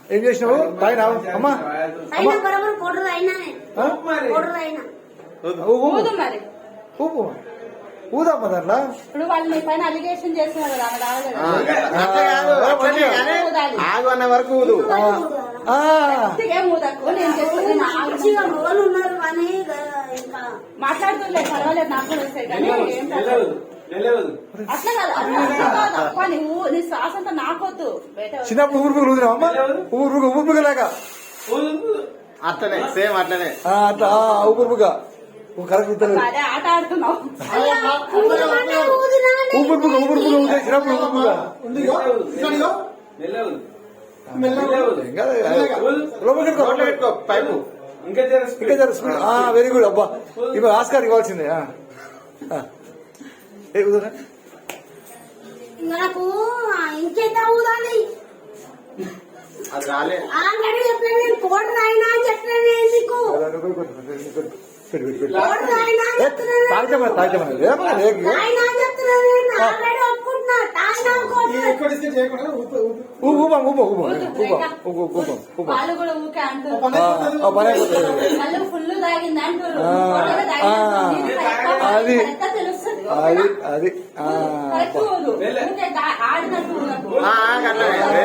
ఏం చేసినావు తాగినావు అమ్మా ఊపు ఊదమ్మా దాంట్లో ఇప్పుడు వాళ్ళు మీ పైన అలిగేషన్ చేస్తున్నారు కదా ఆగు అన్న వరకు ఊదు. మాట్లాడుతుండే పర్వాలేదు నాకు కూడా వస్తాయి కానీ అట్లా కాదు నువ్వు నీ శ్వాస అంతా నాకొద్దు చిన్నప్పుడు ఊరుపులు ఊదినావమ్మా ఊరుపుగా అట్లనే సేమ్ అట్లనే అట్లా ఊపుగా కరెక్ట్ అదే ఆట ఆడుతున్నావు ఊపుగా ఊదే చిన్నప్పుడు ఊపుగా పైపు ఇంకా వెరీ గుడ్ అబ్బా ఇప్పుడు ఆస్కార్ ఇవ్వాల్సిందే నాకు ఇంకెంత ఊదాలి అది రాలే ఆల్రెడీ చెప్పాను నేను కోట రాయినా అని చెప్పాను ఎందుకు వాళ్ళు కూడా ఊకే అంటారు ఫుల్ తాగింది అంటారు అది తెలుస్తుంది అది ఆడినట్టు